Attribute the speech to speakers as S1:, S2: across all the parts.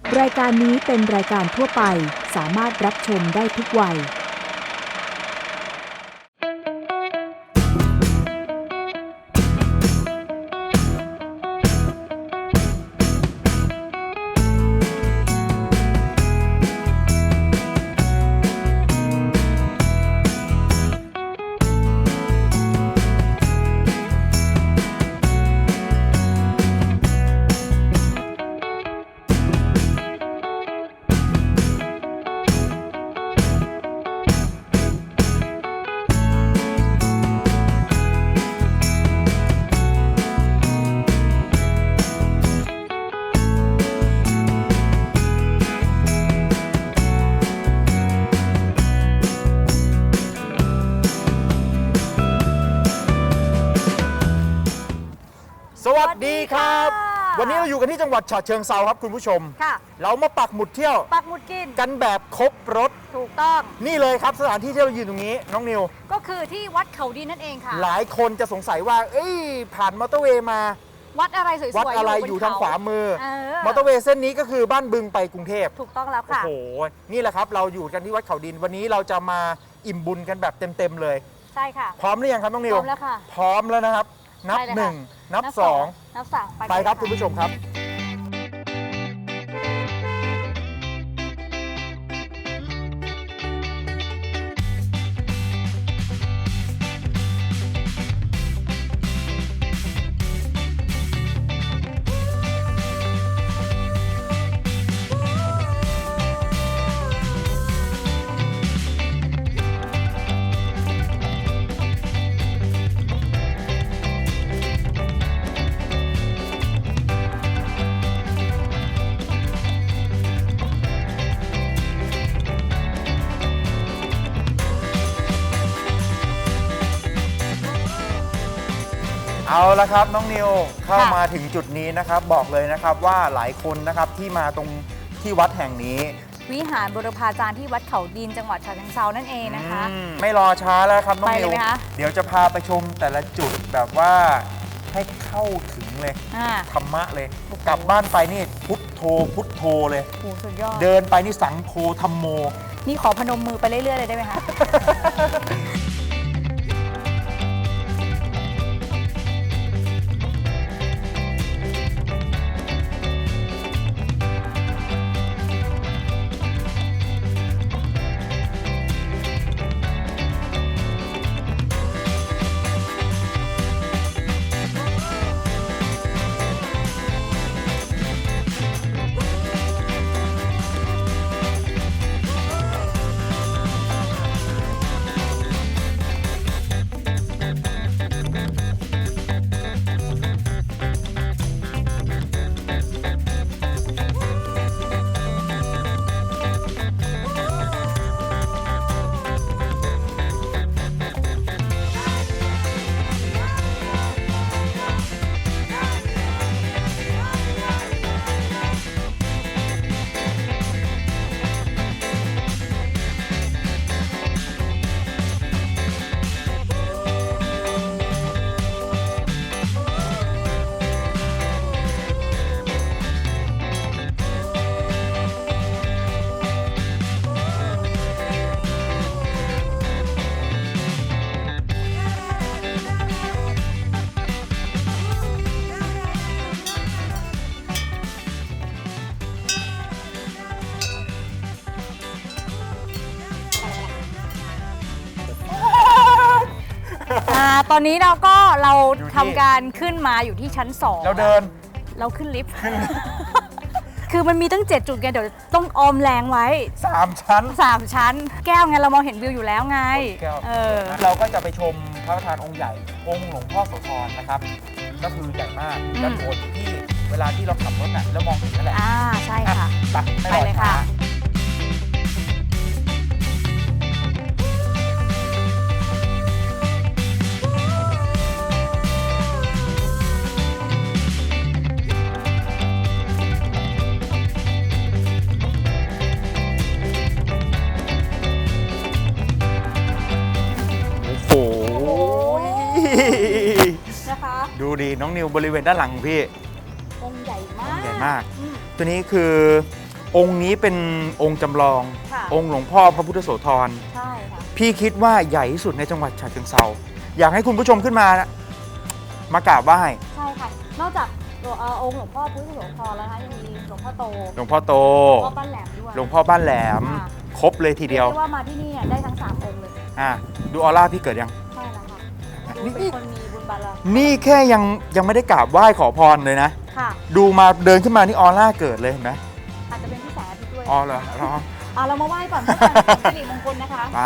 S1: รายการนี้เป็นรายการทั่วไปสามารถรับชมได้ทุกวัย
S2: สวัสดีครับ วันนี้เราอยู่กันที่จังหวัดฉะเชิงเทราครับคุณผู้ชม
S3: ค่ะ
S2: เรามาปักหมุดเที่ยว
S3: ปักหมุดกิน
S2: กันแบบครบรถ
S3: ถูกต้อง
S2: นี่เลยครับสถานที่ที่เรายืนตรงนี้น้องนิว
S3: ก็คือที่วัดเขาดินนั่นเองค่ะ
S2: หลายคนจะสงสัยว่าผ่านมอเตอร์เวย์มา
S3: วัดอะไรสวยๆ
S2: วัดอะไรอยู่ทางขวามือมอเตอร์เวย์เส้นนี้ก็คือบ้านบึงไปกรุงเทพ
S3: ถูกต้องแล้วค่ะ
S2: โอ้โหนี่แหละครับเราอยู่กันที่วัดเขาดินวันนี้เราจะมาอิ่มบุญกันแบบเต็มๆเลย
S3: ใช่ค่ะ
S2: พร้อมหรือยังครับน้องนิว
S3: พร้อมแล้วค่ะ
S2: พร้อมแล้วนะครับนับหนึ่งนับสอง
S3: นับสาม
S2: ไปครับคุณผู้ชมครับเอาละครับน้องนิวเข้ามาถึงจุดนี้นะครับบอกเลยนะครับว่าหลายคนนะครับที่มาตรงที่วัดแห่งนี้
S3: วิหารบุรพาจารย์ที่วัดเขาดินจังหวัดฉะเชิงเทรานั่นเองนะคะ
S2: ไม่รอช้าแล้วครับน้องนิวเดี๋ยวจะพาไปชมแต่ละจุดแบบว่าให้เข้าถึงเลยธรรมะเลยกลับบ้านไปนี่พุทโธพุทโธเลย
S3: โอ้สุดยอด
S2: เดินไปนี่สังโฆธัมโม
S3: นี่ขอพนมมือไปเรื่อยๆเลยได้ไหมคะตอนนี้เราทำการขึ้นมาอยู่ที่ชั้น2เราขึ้นลิฟต์คือมันมีตั้ง7จุดไงเดี๋ยวต้องออมแรงไว้
S2: 3ชั้น
S3: แก้วไงเรามองเห็นวิวอยู่แล้วไง
S2: เราก็จะไปชมพระประธานองค์ใหญ่องค์หลวงพ่อโสธรนะครับก็คือใหญ่มากด้านบนที่เวลาที่เราขับรถน่ะแล้วมองเห็นนั่นแหละ
S3: ใช่ค่ะ
S2: ไปเลยค่ะดูดีน้องนิวบริเวณด้านหลังของพี่
S3: องค์ใหญ่มาก
S2: ตัวนี้คือองค์นี้เป็นองค์จำลอง
S3: ค่ะ
S2: องค์หลวงพ่อพระพุทธโสธร
S3: ใช่ค่ะ
S2: พี่คิดว่าใหญ่ที่สุดในจังหวัดฉะเชิงเทราอยากให้คุณผู้ชมขึ้นมานะมากราบไหว้
S3: ใช่ค่ะ นอกจากตัวองค์หลวงพ่อพุทธโสธรแล้วนะคะยังมีหลวงพ่อโต
S2: หลวงพ่อโต
S3: หลวงพ่อบ้านแหลมด้วย
S2: หลวงพ่อบ้านแหลม
S3: ค่ะ
S2: ครบเลยทีเดียว
S3: รีกว่ามาที่นี่เนี่ยได้ทั้ง3องค์เลย
S2: ดูออร่าพี่เกิดยัง
S3: ใช่แล้วค่ะดู
S2: นี่
S3: เป็นคนมีบุญบารมี
S2: นี่แค่ยังไม่ได้กราบไหว้ขอพรเลยนะ
S3: ค่ะ
S2: ดูมาเดินขึ้นมานี่ออร่าเกิดเลยเห็นไหม
S3: อาจจะเป็นพี่แสงอาทิตย์ด้วย
S2: อ๋อเหรอ
S3: เรามาไหว้ก่อนเพื่อความเป็นสิริมงคลนะคะ
S2: ไป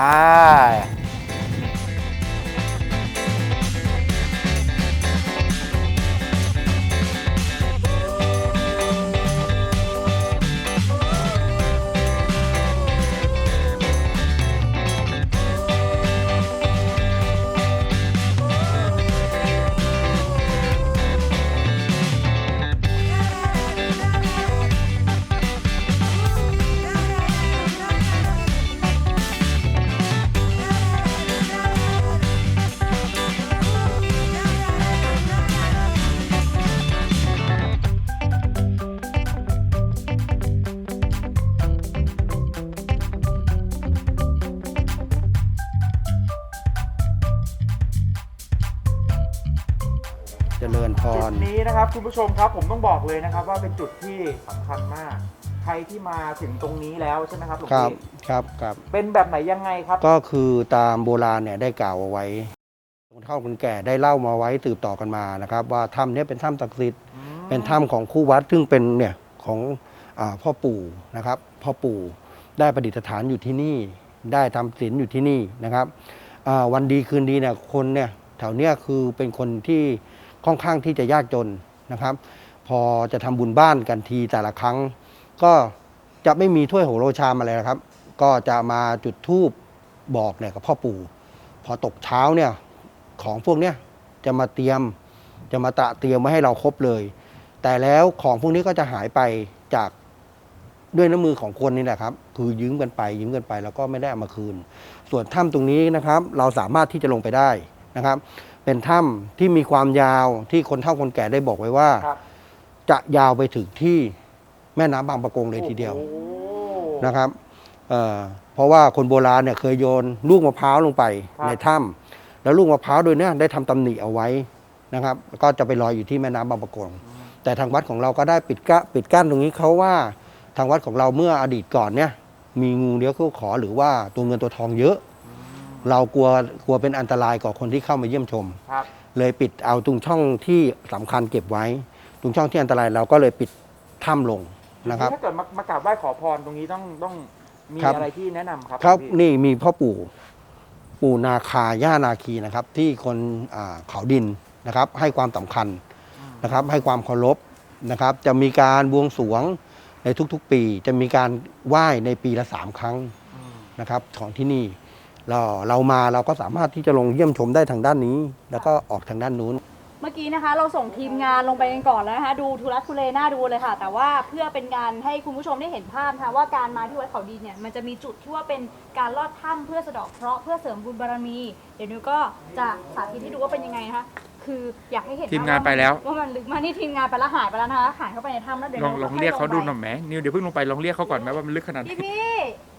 S4: เจริญพ
S2: จุ
S4: ร
S2: ดนี้นะครับคุณผู้ชมครับผมต้องบอกเลยนะครับว่าเป็นจุดที่สำคัญมาก ใครที่มาถึงตรงนี้แล้วใช่ไหมครับหลวง
S4: ครับ
S2: พี่
S4: ครับ
S2: เป็นแบบไหนยังไงครับ
S4: ก็คือตามโบราณเนี่ยได้กล่าวเอาไว้คนเฒ่าคนแก่ได้เล่ามาไว้สืบต่อกันมานะครับว่าถ้ำเนี้เป็นถ้ำศักดิ์สิทธิ์เป็นถ้ำของคู่วัดซึ่งเป็นเนี่ยของพ่อปู่นะครับพ่อปู่ได้ประดิษฐานอยู่ที่นี่ได้ทำศีลอยู่ที่นี่นะครับวันดีคืนดีเนี่ยคนเนี่ยแถวเนี้ยคือเป็นคนที่ค่อนข้างที่จะยากจนนะครับ พอจะทำบุญบ้านกันทีแต่ละครั้ง ก็จะไม่มีถ้วยโหโรชามอะไรนะครับ ก็จะมาจุดธูปบอกเนี่ยกับพ่อปู่ พอตกเช้าเนี่ยของพวกเนี้ยจะมาเตรียมไว้ให้เราครบเลย แต่แล้วของพวกนี้ก็จะหายไปจากด้วยน้ำมือของคนนี่แหละครับคือยืมกันไปแล้วก็ไม่ได้เอามาคืน ส่วนถ้ำตรงนี้นะครับ เราสามารถที่จะลงไปได้นะครับ เป็นถ้ำที่มีความยาวที่คนเฒ่าคนแก่ได้บอกไว้ว่า
S2: ครับ
S4: จะยาวไปถึงที่แม่น้ำบางปะกงเลยทีเดียว
S2: โอ้โห
S4: นะครับเพราะว่าคนโบราณเนี่ยเคยโยนลูกมะพร้าวลงไป
S2: ครับ
S4: ในถ้ำแล้วลูกมะพร้าวโดยเนี้ยได้ทำตำหนิเอาไว้นะครับก็จะไปลอยอยู่ที่แม่น้ำบางปะกง แต่ทางวัดของเราก็ได้ปิดกั้นตรงนี้เขาว่าทางวัดของเราเมื่ออดีตก่อนเนี่ยมีงูเลี้ยวเข้าขอหรือว่าตัวเงินตัวทองเยอะ เรากลัวเป็นอันตรายกับคนที่เข้ามาเยี่ยมชม
S2: ครับ
S4: เลยปิดเอาตรงช่องที่สำคัญเก็บไว้ ตรงช่องที่อันตรายเราก็เลยปิดถ้ำลงนะครับ
S2: ถ้าเกิดมากราบไหว้ขอพรตรงนี้ต้องมี
S4: ครับ
S2: อะไรที่แนะนำครับ
S4: ครับ
S2: พี่
S4: นี่มีพ่อปู่นาคาย่านาคีนะครับ ที่คนเขาดินนะครับ ให้ความสำคัญนะครับ ให้ความเคารพนะครับ จะมีการบวงสรวงในทุกๆ ปี จะมีการไหว้ในปีละ3 ครั้งนะครับของที่นี่เรามาเราก็สามารถที่จะลงเยี่ยมชมได้ทางด้านนี้ แล้วก็ออกทางด้านนู้น
S3: เมื่อกี้นะคะเราส่งทีมงานลงไปกันก่อนแล้วนะคะดูทุลักทุเลน่าดูเลยค่ะ แต่ว่าเพื่อเป็นการให้คุณผู้ชมได้เห็นภาพนะคะว่าการมาที่วัดเขาดินเนี่ยมันจะมีจุดที่ว่าเป็นการลอดถ้ำเพื่อสะเดาะเคราะห์เพื่อเสริมบุญบารมี เดี๋ยวนิวก็จะสาธิตให้ดูว่าเป็นยังไงนะคะคืออยากให้เห็น
S2: ทีมงานไปแล้ว
S3: ว่ามันลึกมากนี่ทีมงานไปแล้วหายไปแล้วนะคะหายเข้าไปในถ้ำแล้วเดี๋ยว
S2: ลองเรียกเขาดูหน่อยไหมนิวเดี๋ยวเพิ่งลงไปลองเรียกเขาก่อนไหมว่ามันลึกขนาดไหน
S3: พี่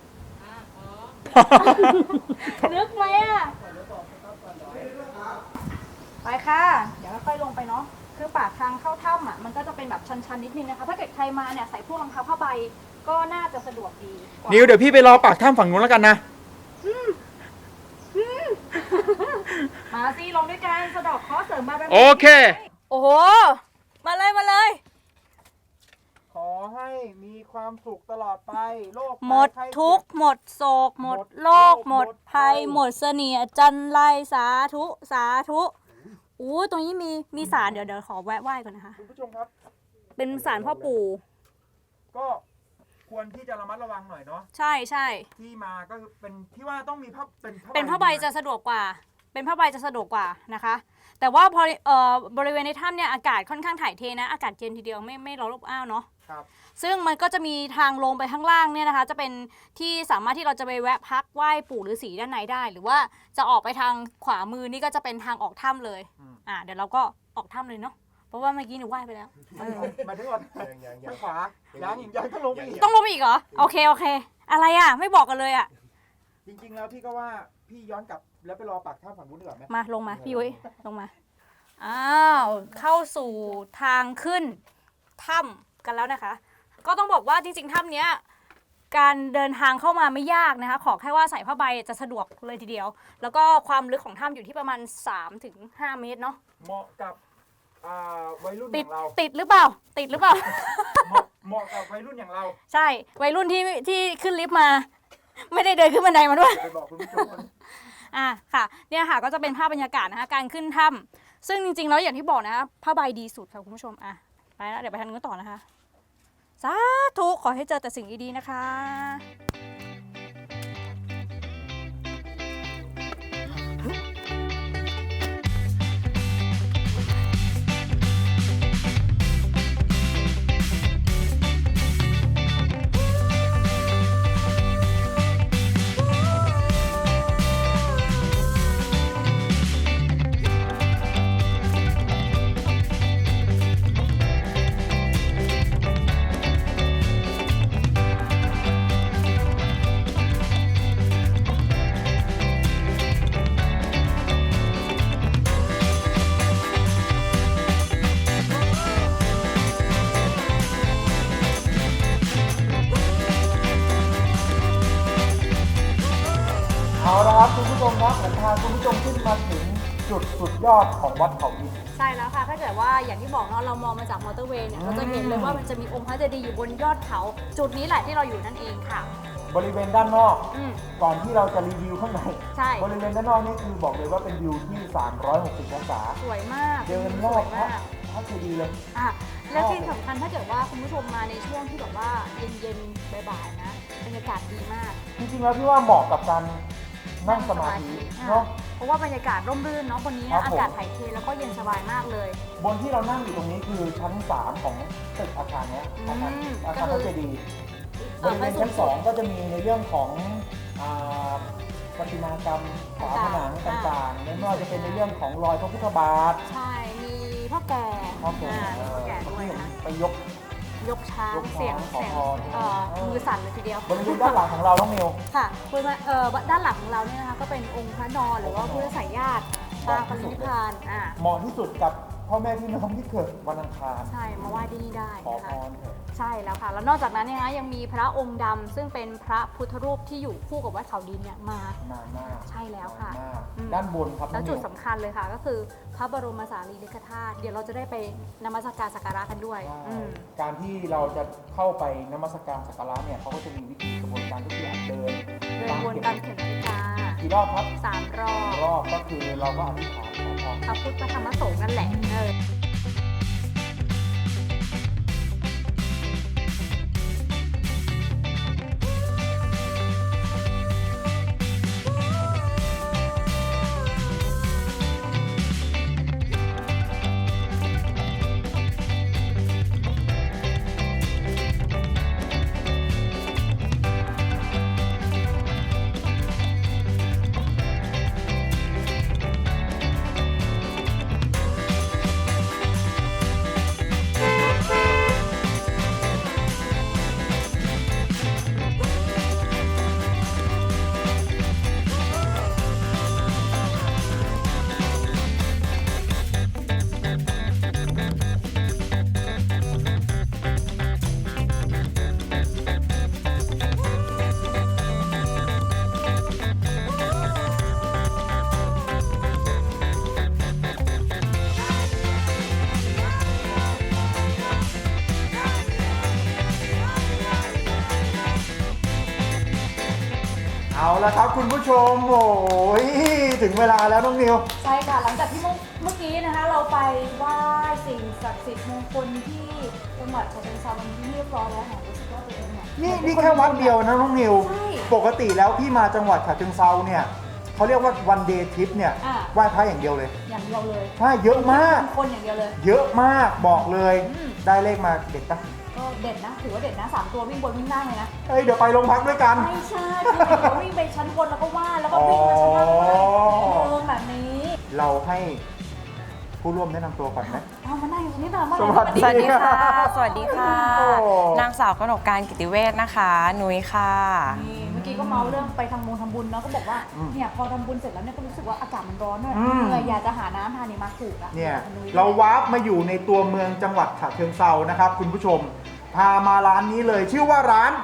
S3: ลึกไหมอ่ะไปค่ะ เดี๋ยวค่อยๆลงไปเนาะคือปากทางเข้าถ้ำอ่ะมันก็จะเป็นแบบชันๆนิดนึงนะคะถ้าเกิดใครมาเนี่ยใส่พวกรองเท้าผ้าใบก็น่าจะสะดวกดีกว่า
S2: นิวเดี๋ยวพี่ไปรอปากถ้ำฝั่งนู้นแล้วกันนะ
S3: มาสิลงด้วยกันสะเดอกเคราะห์เสริมบารมี
S2: โอเค
S3: โอ้โหมาเลย
S2: ขอให้มีความสุขตลอดไปโรค
S3: หมดทุกข์หมดโศกหมดโรคหมดภัยหมดเสนียดจันไรสาธุสาธุอู้ตรงนี้มีศาลเดี๋ยวขอแวะไหว้ก่อนนะคะ
S2: คุณผู้ชมครับ
S3: เป็นศาลพ่อปู่
S2: ก็ควรที่จะระมัดระวังหน่อยเนาะ
S3: ใช่ใช่
S2: ที่มาก็คือเป็นที่ว่าต้องมีผ้าเป็น
S3: เป็นผ้าใบจะสะดวกกว่า เป็นผ้าใบจะสะดวกกว่านะคะ แต่ว่าพอบริเวณในถ้ำเนี่ยอากาศค่อนข้างถ่ายเทนะอากาศเย็นทีเดียวไม่ร้อนอบอ้าวเนาะ
S2: ครับ
S3: ซึ่งมันก็จะมีทางลงไปข้างล่างเนี่ยนะคะ จะเป็นที่สามารถที่เราจะไปแวะพักไหว้ปู่ฤาษีด้านในได้ หรือว่าจะออกไปทางขวามือนี่ก็จะเป็นทางออกถ้ำเลยเดี๋ยวเราก็ออกถ้ำเลยเนาะเพราะว่าเมื่อกี้หนูไหว้ไปแล้ว
S2: มาถึงก่อนทางขวายังต้องลงไปอีก
S3: ต้องลงไปอีกเหรอโอเคอะไรอ่ะไม่บอกกันเลยอ่ะ
S2: จริงๆแล้วพี่ก็ว่าพี่ย้อนกลับแล้วไปรอปากถ้ำฝั่งนู้นดีกว่าไหม
S3: มาลงมาพี่ยุ้ยลงมาอ้าวเข้าสู่ทางขึ้นถ้ำกันแล้วนะคะ ก็ต้องบอกว่าจริงๆถ้ำเนี้ยการเดินทางเข้ามาไม่ยากนะคะขอแค่ว่าใส่ผ้าใบจะสะดวกเลยทีเดียว แล้วก็ความลึกของถ้ำอยู่ที่ประมาณ 3-5 เมตรเนาะ
S2: เหมาะกับวัยรุ่นอ
S3: ติด
S2: ย่างเรา
S3: ติดหรือเปล่าติดหรือเปล่า
S2: เหมาะกับวัยรุ่นอย่างเรา
S3: ใช่วัยรุ่นที่ขึ้นลิฟต์มา ไม่ได้เดินขึ้นบันไดมาด้วย
S2: ไปบอกคุณผู้ชม
S3: ค่ะเนี่ยค่ะก็จะเป็นภาพบรรยากาศนะคะการขึ้นถ้ำซึ่งจริงๆแล้วอย่างที่บอกนะคะผ้าใบดีสุดค่ะคุณผู้ชมไปแล้วเดี๋ยวไปทางนู้นต่อนะคะสาธุขอให้เจอแต่สิ่งดีๆนะคะ
S2: เอาละครับคุณผู้ชมครับผมพาคุณผู้ชมขึ้นมาถึงจุดสุดยอดของวัดเขาดิน
S3: ใช่แล้วค่ะถ้าเกิดว่าอย่างที่บอกเนาะเรามองมาจากมอเตอร์เวย์เนี่ยเราจะเห็นเลยว่ามันจะมีองค์พระเจดีย์อยู่บนยอดเขาจุดนี้แหละที่เราอยู่นั่นเองค่ะ
S2: บริเวณด้านนอก
S3: อืม
S2: ก่อนที่เราจะรีวิวข้างใน
S3: ใช่
S2: บริเวณด้านนอกนี่คือบอกเลยว่าเป็นวิวที่ 360 องศา
S3: สวยมาก
S2: เดินร
S3: ส
S2: อ
S3: ว
S2: บ
S3: ย
S2: พระ
S3: มาก
S2: พระเจดีย์เลย
S3: และที่สำคัญถ้าเกิดว่าคุณผู้ชมมาในช่วงที่แบบว่าเย็นๆบ่ายๆนะบรรยากาศดีมาก
S2: จริงๆแล้วพี่ว่าเหมาะกับการนั่งสมาธิเนาะ
S3: เพราะว่าบรรยากาศร่มรื่นเนาะบนนี้
S2: ครั
S3: นะ
S2: บผม
S3: อากาศถ่ายเทแล้วก็เย็นสบายมากเลย
S2: บนที่เรานั่งอยู่ตรงนี้คือชั้น 3 ของตึกอาคารเนี้ยอาคาร
S3: อืม
S2: อาคารพระเจดีย์บริเวณชั้น
S3: สูง
S2: 2 ก็จะมีในเรื่องของประติมากรรมฝาผนังต่างๆไม่ว่าจะเป็นในเรื่องของรอยพระพุทธบาท
S3: ใช่มีพ่อแก่
S2: ครับผม
S3: มีพ่อแก่ด้วยนะ
S2: ไปยก
S3: ยกช้าง
S2: ยกช้าง
S3: เสียง
S2: ขอพร
S3: มือสั่นเลยทีเดียว
S2: บริเวณด้านหลังของเราน้องมิว
S3: ค่ะคุณมาด้านหลังของเราเนี่ยนะคะก็เป็นองค์พระนอนหรือว่าพุทธสายญาติปางปรินิพพาน
S2: เหมาะที่สุดกับพ่อแม่พี่น้องที่เกิดวันอังคาร
S3: ใช่มาไหว้ที่นี่ได้
S2: ขอ
S3: นะ
S2: พ
S3: คะ
S2: รเถอะ
S3: ใช่แล้วค่ะ แล้วนอกจากนั้นเนี่ยนะยังมีพระองค์ดำซึ่งเป็นพระพุทธรูปที่อยู่คู่กับวัดเขาดินเนี่ยมาน
S2: านมาก
S3: ใช่แล้วค่ะ
S2: นานมาก
S3: อืม
S2: ด้านบนครับน้
S3: แล้
S2: อ
S3: ว
S2: ง
S3: จุ
S2: มิ
S3: ด
S2: ว
S3: สำคัญเลยค่ะ ก็คือพระบรมสารีริกธาตุเดี๋ยวเราจะได้ไปนมัสการสักการะกันด้วย
S2: การที่เราจะเข้าไปนมัสการสักการะเนี่ยเขาก็จะมีวิธีกระบวนการก็คือเดิน
S3: เดินวนตามเข็มนาฬิกา
S2: กี่รอบครับ
S3: 3 รอบ
S2: รอบก็คือเราก็อธิษฐานขอพร
S3: พระพุทธพระธรรมพระสงฆ์นั่นแหละ
S2: เอาละครับคุณผู้ชมโอ้ยถึงเวลาแล้วน้องมิว
S3: ใช่ค่ะหลังจากที่เมื่อกี้นะคะเราไปไหว้สิ่งศักดิ์สิทธิ์มงคลที่จังหวัดฉะเชิงเทราวันนี้เรียบร้อยแล้วค่ะรู้สึกว่าตัวเองเนี่ย
S2: นี่แค่วัดเดียวนะน้องมิว
S3: ใช่
S2: ปกติแล้วพี่มาจังหวัดฉะเชิงเทราเนี่ยเขาเรียกว่าวันเดย์ทริปเนี่ย
S3: อ่า
S2: ไหว้พระอย่างเดียวเลย
S3: อย่างเดียวเลย
S2: ใช่เยอะมาก
S3: คนอย่างเดียวเลย
S2: เยอะมากบอกเลย
S3: อืม
S2: ได้เลขมาเด็ดปะ
S3: ก็เด็ดนะถือว่าเด็ดนะ3 ตัววิ่งบนวิ่งล่างเลยนะ
S2: เอ้ยเดี๋ยวไปโรงพักด้วยกัน
S3: ไม่ใช่คือเราวิ่งไปชั้นบนแล้วก็ว่าแล้วก็วิ่งมาชั้นล่างด้วยแบบนี้
S2: เราให้ผู้ร่วมแนะนำตัวก่อนไหม
S3: เอามานั่งอยู่ตรงนี้นานมาก
S2: สวัสดี
S5: สวัสดีค่ะ สวัสดีค่ะ
S2: โอ้
S5: นางสาวกนกการกิติเวชนะคะ นุ้ยค่ะ
S3: นี่เมื่อกี้ก็เมาเรื่องไปทำบุญเนาะก็บอกว่าเนี่ยพอทำบุญเสร็จแล้วเนี่ยก็รู้สึกว่าอากาศมันร้อนด้วยเหนื่อยอยากจะหาน้ำทานนี่มาถูกอ่ะ
S2: เนี่ยเราวาร์ปมาอยู่ในตัวเมืองจังหวัดฉะเชิงเทรานะครับคุณผู้ชมพามาร้านนี้เลยชื่อว่าร้าน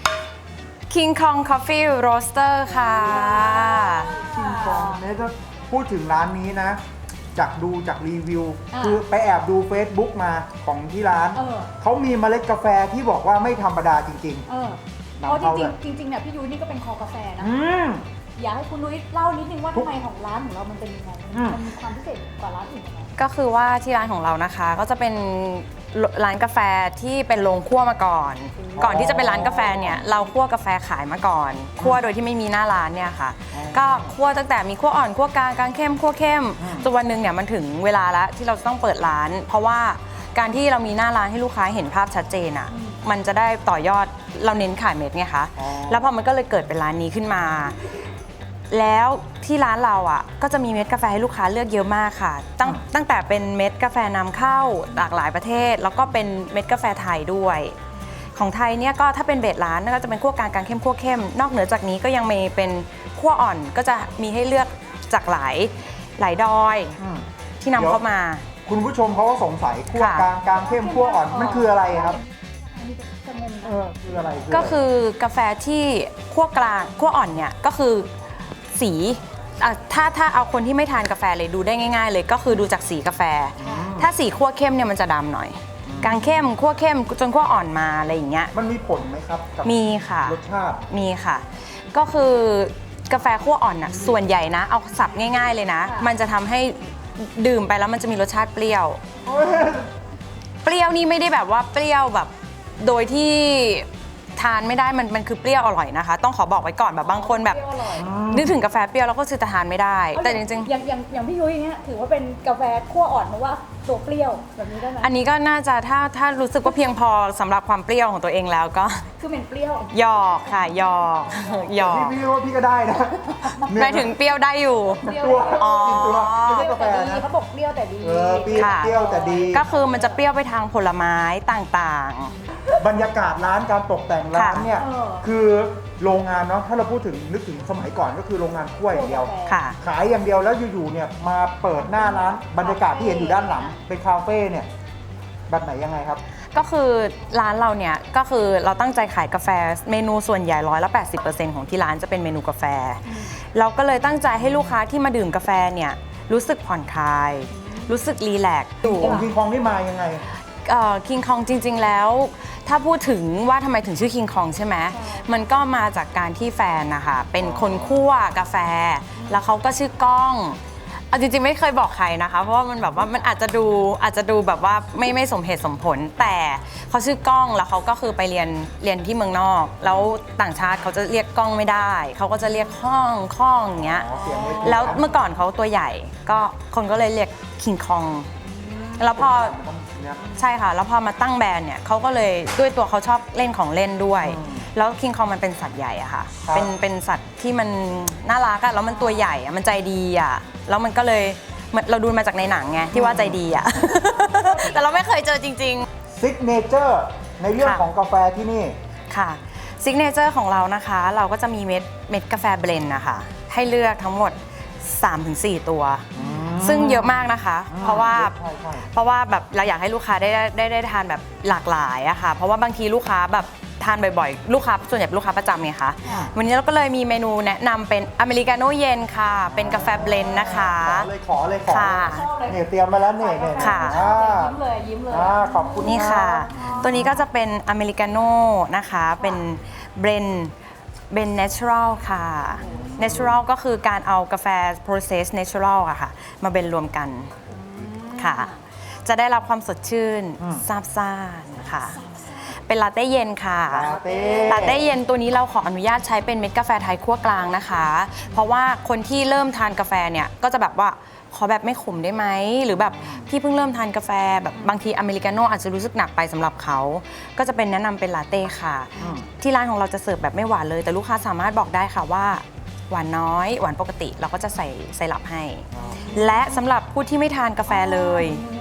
S5: King Kong Coffee Roaster ค่ะ
S2: คิงคองเนี่ยถ้าพูดถึงร้านนี้นะจากรีวิว คือไปแอบดู Facebook มาของที่ร้าน เขามีเมล็ดกาแฟที่บอกว่าไม่ธรรมดาจริง
S3: เพราะจริงเนี่ยพี่ยุ้ยนี่ก็เป็นคอกาแฟนะ อยากให้คุณนุ้ยเล่านิดนึงว่าทำไมของร้านของเรามันเป็นยังไงมันมีความพิเศษกว่าร้านอื่นยังไง
S5: ก็คือว่าที่ร้านของเรานะคะก็จะเป็นร้านกาแฟที่เป็นโรงคั่วมาก่อน ก่อนที่จะเป็นร้านกาแฟเนี่ยเราคั่วกาแฟขายมาก่อนคั่วโดยที่ไม่มีหน้าร้านเนี่ยค่ะ ก็คั่วตั้งแต่มีคั่วอ่อนคั่วกลางกลางเข้มคั่วเข้มจนวันหนึ่งเนี่ยมันถึงเวลาแล้วที่เราจะต้องเปิดร้าน เพราะว่าการที่เรามีหน้าร้านให้ลูกค้าเห็นภาพชัดเจนอ่ะมันจะได้ต่อยอดเราเน้นขายเม็ดไงคะแล้วพอมันก็เลยเกิดเป็นร้านนี้ขึ้นมา แล้วที่ร้านเราอ่ะก็จะมีเม็ดกาแฟให้ลูกค้าเลือกเยอะมากค่ะ ตั้งแต่เป็นเม็ดกาแฟนำเข้าหลากหลายประเทศ แล้วก็เป็นเม็ดกาแฟไทยด้วย ของไทยเนี่ยก็ถ้าเป็นเบสร้านก็จะเป็นคั่วกลางกลางเข้มคั่วเข้มนอกเหนือจากนี้ก็ยังมีเป็นคั่วอ่อนก็จะมีให้เลือกจากหลายดอยที่นำเข้ามา
S2: คุณผู้ชมเขาก็สงสัยคั่วกลางกลางเข้มคั่วอ่อนมันคืออะไรครับคืออะไร
S5: ก็คือกาแฟที่คั่วกลางคั่วอ่อนเนี่ยก็คือสีถ้าเอาคนที่ไม่ทานกาแฟเลยดูได้ง่ายๆเลยก็คือดูจากสีกาแฟ ถ้าสีคั่วเข้มเนี่ยมันจะดำหน่อยกลางเข้มคั่วเข้มจนคั่วอ่อนมาอะไรอย่างเงี้ย
S2: มันมีผลไหมครับกับ
S5: มีค่ะ
S2: รสชาติ
S5: มีค่ะ ก็คือกาแฟคั่วอ่อนน่ะส่วนใหญ่นะเอาสับง่ายๆเลยนะมันจะทำให้ดื่มไปแล้วมันจะมีรสชาติเปรี้ยว เปรี้ยวนี่ไม่ได้แบบว่าเปรี้ยวแบบโดยที่ทานไม่ได้มันคือเปรี้ยวอร่อยนะคะ ต้องขอบอกไว้ก่อนแบบบางคนแบบนึกถึงกาแฟเปรี้ยวแล้วก็คือจะทานไม่ได้ แต่จริงๆ
S3: อย่างพี่ยุ้ยอย่างเงี้ยถือว่าเป็นกาแฟคั่วอ่อนเพราะว่าตัวเปรี้ยวแบบนี้ได้ไหม
S5: อันนี้ก็น่าจะถ้ารู้สึกว่าเพียงพอสำหรับความเปรี้ยวของตัวเองแล้วก็
S3: คือเป็นเปรี้ยว
S5: หยอกค่ะหยอกหยอก
S2: พี่ว่าพี่ก็ได้นะ
S5: หมายถึงเปรี้ยวได้อยู่
S2: ตัว
S5: อ๋อ
S2: กินตัวไม่ใช่กาแฟ
S3: แต่ดี
S2: นะ
S3: เขาบอกเปรี้ยวแต่ดี
S2: เปรี้ยวแต่ดี
S5: ก็คือมันจะเปรี้ยวไปทางผลไม้ต่าง
S2: บรรยากาศร้านการตกแต่งร้านเนี่ย คือโรงงานเนาะถ้าเราพูดถึงนึกถึงสมัยก่อนก็คือโรงงานกล้วยอย่างเดียว
S5: ๆค่ะ
S2: ขายอย่างเดียวแล้วอยู่ๆเนี่ยมาเปิดหน้าร้านบรรยากาศที่เห็นอยู่ด้านหลังเป็นคาเฟ่เนี่ยแบบไหนยังไงครับ
S5: ก็คือร้านเราเนี่ยก็คือเราตั้งใจขายกาแฟเมนูส่วนใหญ่180%ของที่ร้านจะเป็นเมนูกาแฟ เราก็เลยตั้งใจให้ลูกค้าที่มาดื่มกาแฟเนี่ยรู้สึกผ่อนคลาย รู้สึกรีแลกซ์อยู่
S2: คิงคองนี่มายังไง
S5: คิงคองจริงๆแล้วถ้าพูดถึงว่าทำไมถึงชื่อคิงคองใช่ไหมมันก็มาจากการที่แฟนนะคะเป็นคนคั่วกาแฟ แล้วเขาก็ชื่อก้องเอาจริงๆไม่เคยบอกใครนะคะเพราะว่ามันแบบว่ามันอาจจะดูแบบว่าไม่สมเหตุสมผล แต่เขาชื่อก้องแล้วเขาก็คือไปเรียนที่เมืองนอก แล้วต่างชาติเขาจะเรียกก้องไม่ได้เขาก็จะเรียกข้องอย่างเงี้ย แล้วเมื่อก่อนเขาตัวใหญ่ก็คนก็เลยเรียกคิงคองแล้วพอใช่ค่ะแล้วพอมาตั้งแบรนด์เนี่ยเขาก็เลยด้วยตัวเขาชอบเล่นของเล่นด้วย แล้วคิงคองมันเป็นสัตว์ใหญ่อะค่ะเป็นสัตว์ที่มันน่ารักอะแล้วมันตัวใหญ่อะมันใจดีอะแล้วมันก็เลยเราดูมาจากในหนังไงที่ว่าใจดีอะ แต่เราไม่เคยเจอจริงๆ
S2: ซิกเนเจอร์ในเรื่องของกาแฟที่นี่
S5: ค่ะซิกเนเจอร์ของเรานะคะเราก็จะมีเม็ดกาแฟเบลนด์นะคะให้เลือกทั้งหมด 3-4 ตัว ซึ่งเยอะมากนะคะ เพราะว่าแบบเราอยากให้ลูกค้าได้ทานแบบหลากหลายอะค่ะเพราะว่าบางทีลูกค้าแบบทานบ่อยๆลูกค้าส่วนใหญ่เป็นลูกค้าประจำไงคะวันนี้เราก็เลยมีเมนูแนะนำเป็นอเมริกาโน่เย็นค่ะเป็นกาแฟเบลนด์นะคะ
S2: ขอเลย
S5: ค่ะ
S2: เนี่ยเตรียมมาแล้วเนี่ย
S5: ค่ะ
S3: ยิ้มเลย
S2: ขอบคุณ
S5: นี่ค่ะ
S2: รับ
S5: ตัวนี้ก็จะเป็นอเมริกาโน่นะคะเป็นเบรนเนเชอรัลค่ะเนเชอรัลก็คือการเอากาแฟ process natural อะค่ะมาเบลนรวมกันค่ะจะได้รับความสดชื่นซาบซ่านค่ะเป็นลาเต้เย็นค่ะลาเต้เย็นตัวนี้เราขออนุญาตใช้เป็นเม็ดกาแฟไทยคั่วกลางนะคะเพราะว่าคนที่เริ่มทานกาแฟเนี่ยก็จะแบบว่าขอแบบไม่ขมได้ไหมหรือแบบพี่เพิ่งเริ่มทานกาแฟแบบบางทีอเมริกาโน่อาจจะรู้สึกหนักไปสำหรับเขาก็จะเป็นแนะนำเป็นลาเต้ค่ะที่ร้านของเราจะเสิร์ฟแบบไม่หวานเลยแต่ลูกค้าสามารถบอกได้ค่ะว่าหวานน้อยหวานปกติเราก็จะใส่ไซรัปให้และสำหรับผู้ที่ไม่ทานกาแฟเลย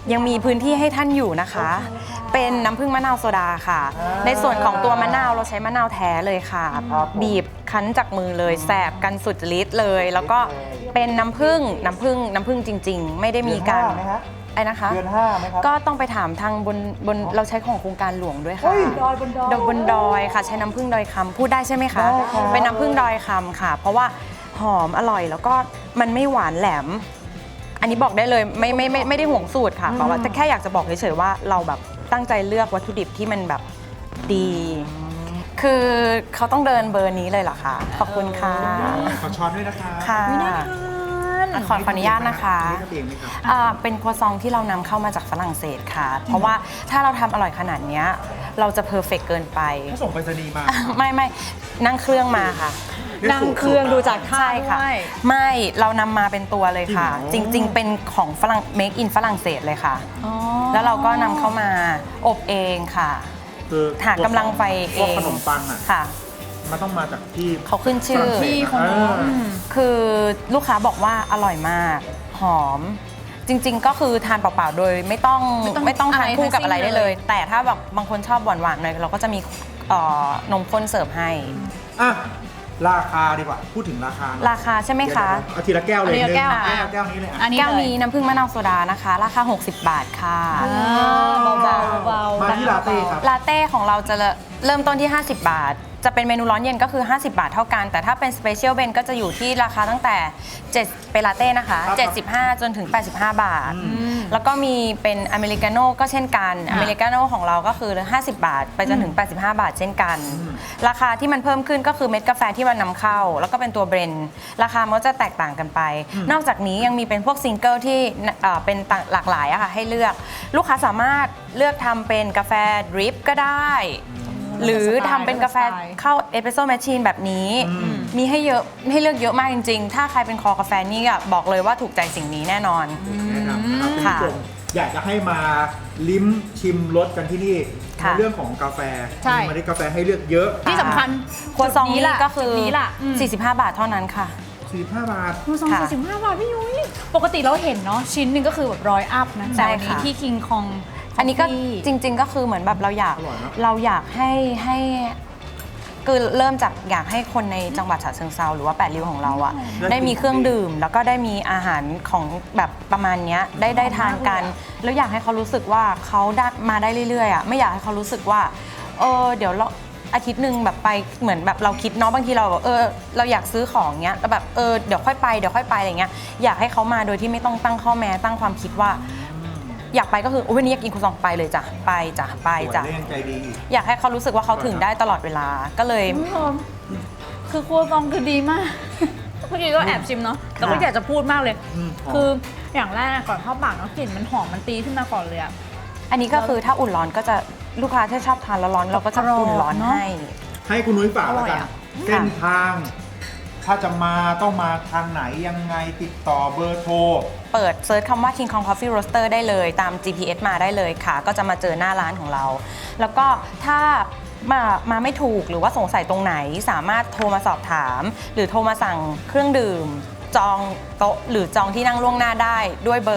S5: ยังมีพื้นที่ให้ท่านอยู่นะคะ เป็นน้ำผึ้งมะนาวโซดาค่ะ ในส่วนของตัวมะนาวเราใช้มะนาวแท้เลยค่ะ บีบคั้นจากมือเลยแสบกันสุดฤทธิ์เลย แล้วก็เป็นน้ำผึ้งจริงๆ ไม่ได้มีการ
S2: เดือน 5ไหมฮะ
S5: ไอ้นะคะ
S2: เดือน 5ไหมครับ
S5: ก็ต้องไปถามทางบนเราใช้ของโครงการหลวงด้วยค่ะ
S3: ดอยบนดอย
S5: บนดอยค่ะ ใช้น้ำผึ้งดอยคำพูดได้ใช่ไหมคะ
S2: ได้ครับ
S5: เป็นน้ำผึ้งดอยคำค่ะ เพราะว่าหอมอร่อยแล้วก็มันไม่หวานแหลม อันนี้บอกได้เลยไม่ได้ห่วงสูตรค่ะแต่ว่าแค่อยากจะบอกเฉยๆว่าเราแบบตั้งใจเลือกวัตถุดิบที่มันแบบดี คือเขาต้องเดินเบอร์นี้เลยเหรอคะขอบคุณค่ะ
S2: ขอช้อนด้วยนะคะ
S5: ค่ะ
S3: ไม่น่าทาน
S5: ขออนุญาตนะคะ
S2: นี่ก็เองไหมครับ
S5: เป็นครัวซองที่เรานำเข้ามาจากฝรั่งเศสค่ะ เพราะว่าถ้าเราทำอร่อยขนาดเนี้ยเราจะเพอร์เฟกเกินไป
S2: ถ้าส่งไปรษณีย์มา
S5: ไม่นั่งเครื่องมาค่ะ
S3: นั่งเครื่องดูจากท่า
S5: ใช่ค่ะ
S3: ด้วย
S5: ไม่เรานำมาเป็นตัวเลยค่ะ
S2: จ
S5: จ
S2: ริงเหรอ
S5: ริง ๆ เป็นของฝรั่ง make in ฝรั่งเศสเลยค่ะ
S3: อ๋อ
S5: แล้วเราก็นำเข้ามาอบเองค่ะ
S2: คือ
S5: หากำลังไฟเอง
S2: พวกขนมปังอ่ะ
S5: ค่ะ
S2: มันต้องมาจากที่
S5: เขาขึ้นชื่อ
S3: ที่ของหนู
S5: คือลูกค้าบอกว่าอร่อยมาก หอม จริง ๆ ก็คือทานเปล่าๆโดยไม่ต้องทานคู่กับอะไรได้เลย แต่ถ้าแบบบางคนชอบหวานๆหน่อยเราก็จะมีนมข้นเสิร์ฟให้
S2: อ่ะราคาดีกว่า พูดถึงราคาหน่อย
S5: ราคาใช่ไหมคะ
S2: เอาทีละแก้วเลย
S3: เอาทีละแก้ว
S2: หนึ่งแก้วนี้เลยอ่ะ
S3: อันนี้
S5: แก้ว
S3: เลย
S5: นี้น้ำผึ้งมะนาวโซดานะคะ ราคา 60 บาทค่ะ
S3: เบาๆ
S2: มาที่ลาเต้ครับ
S5: ลาเต้ของเราจะเริ่มต้นที่ 50 บาท จะเป็นเมนูร้อนเย็นก็คือ 50 บาทเท่ากัน แต่ถ้าเป็นสเปเชียลเบนก็จะอยู่ที่ราคาตั้งแต่7เป็นลาเต้นะคะ
S2: ครับ
S5: 75 จนถึง 85 บาท แล้วก็มีเป็นอเมริกาโน่ก็เช่นกัน อเมริกาโน่ของเราก็คือ 50 บาท ไปจนถึง 85 บาทเช่นกัน ราคาที่มันเพิ่มขึ้นก็คือเม็ดกาแฟที่มันนำเข้า แล้วก็เป็นตัวเบรนด์ราคามันก็จะแตกต่างกันไป นอกจากนี้ยังมีเป็นพวกซิงเกิลที่เป็นหลากหลายอะค่ะให้เลือก ลูกค้าสามารถเลือกทำเป็นกาแฟดริปก็ได้ หรือทำเป็นกาแฟเข้าเอสเปรสโซ่แมชชีนแบบนี้ มีให้เยอะให้เลือกเยอะมากจริงๆ ถ้าใครเป็นคอกาแฟนี่บอกเลยว่าถูกใจสิ่งนี้แน่นอน
S2: แนะนำนะครับคุณ
S5: ค่ะ
S2: ผู้ชมอยากจะให้มาลิ้มชิมรสกันที่นี่
S5: ค่ะ
S2: ในเรื่องของกาแฟ
S3: ใช่
S2: มีเมล็ดกาแฟให้เลือกเยอะ
S3: ที่สำคัญ
S5: ครัวซองนี้ก็คือ
S3: จุดนี้ล่ะ
S5: 45 บาทเท่านั้นค่ะ
S2: 45 บาท
S3: ครัวซอง
S5: ค่ะ
S3: 45 บาทพี่ยุ้ยปกติเราเห็นเนาะชิ้นหนึ่งก็คือแบบ100 อัพนะ
S5: ใช่
S3: แต่วันนี้
S5: ค่ะ
S3: ที่คิงคอง
S5: อันนี้ก็จริง ๆ ก็คือเหมือนแบบเราอยาก
S2: อร่อยเนอะ
S5: ให้คือเริ่มจากอยากให้คนในจังหวัดฉะเชิงเทราหรือว่า8ริ้วของเราอะได้มีเครื่องดื่ม แล้วก็ได้มีอาหารของแบบประมาณเนี้ยได้ทานกัน แล้วอยากให้เขารู้สึกว่าเขาได้มาได้เรื่อยๆอะไม่อยากให้เขารู้สึกว่าเดี๋ยวเราอาทิตย์หนึ่งแบบไปเหมือนแบบเราคิดเนาะบางทีเราแบบเราอยากซื้อของเงี้ยแล้วแบบเดี๋ยวค่อยไปอะไรเงี้ยอยากให้เขามาโดยที่ไม่ต้องตั้งข้อแม้ตั้งความคิดว่า อยากไปก็คือวันนี้อยากกินครัวซองไปเลยจ้ะไปจ้ะ
S2: สวยและยังใจดีอีก
S5: อยากให้เขารู้สึกว่าเขาถึงได้ตลอดเวลาก็เลย
S3: คุณผู้ชมคือครัวซองคือดีมาก เมื่อกี้ก็แอบชิมเนาะแต่ก็อยากจะพูดมากเลย คืออย่างแรกก่อนเข้าปากเนาะกลิ่นมันหอมมันตีขึ้นมาก่อนเลยอะ
S5: อันนี้ก็คือถ้าอุ่นร้อนก็จะลูกค้าที่ชอบทานร้อนๆเราก็จะอุ่นร้อน
S3: เนอะ
S5: ให้
S2: ให้คุณนุ้ยฝากแล้วกัน
S3: อร่อยอะ
S2: เส้นทาง ถ้าจะมาต้องมาทางไหนยังไงติดต่อเบอร์โทร
S5: เปิดเซิร์ชคำว่า King Kong Coffee Roaster ได้เลยตาม GPS มาได้เลยค่ะ ก็จะมาเจอหน้าร้านของเรา แล้วก็ถ้ามาไม่ถูกหรือว่าสงสัยตรงไหนสามารถโทรมาสอบถาม หรือโทรมาสั่งเครื่องดื่ม จองโต๊ะหรือจองที่นั่งล่วงหน้าได้ด้วยเบอร์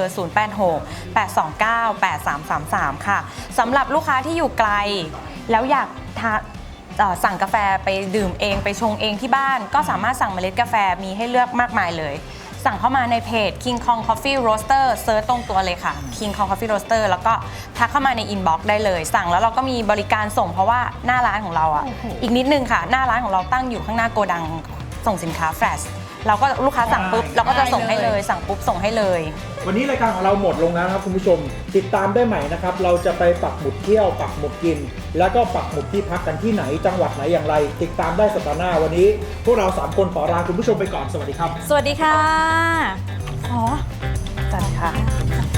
S5: 086-829-8333 ค่ะสำหรับลูกค้าที่อยู่ไกล แล้วอยากสั่งกาแฟไปดื่มเองไปชงเองที่บ้าน ก็สามารถสั่งเมล็ดกาแฟมีให้เลือกมากมายเลย สั่งเข้ามาในเพจ King Kong Coffee Roaster เซิร์ชตรงตัวเลยค่ะ King Kong Coffee Roaster แล้วก็ทักเข้ามาในอินบ็อกซ์ได้เลย สั่งแล้วเราก็มีบริการส่งเพราะว่าหน้าร้านของเราอ่ะอีกนิดนึงค่ะ หน้าร้านของเราตั้งอยู่ข้างหน้าโกดังส่งสินค้าแฟลชเราก็ลูกค้าสั่งปุ๊บเราก็จะส่งให้เลยสั่งปุ๊บส่งให้เลย
S2: วันนี้รายการของเราหมดลงแล้วนะครับคุณผู้ชม ติดตามได้ใหม่นะครับ เราจะไปปักหมุดเที่ยวปักหมุดกิน แล้วก็ปักหมุดที่พักกันที่ไหนจังหวัดไหนอย่างไร ติดตามได้สัปดาห์หน้าวันนี้ พวกเรา3คนขอลาคุณผู้ชมไปก่อนสวัสดีครับ
S3: สวัสดีค่ะ
S5: จัดค่ะ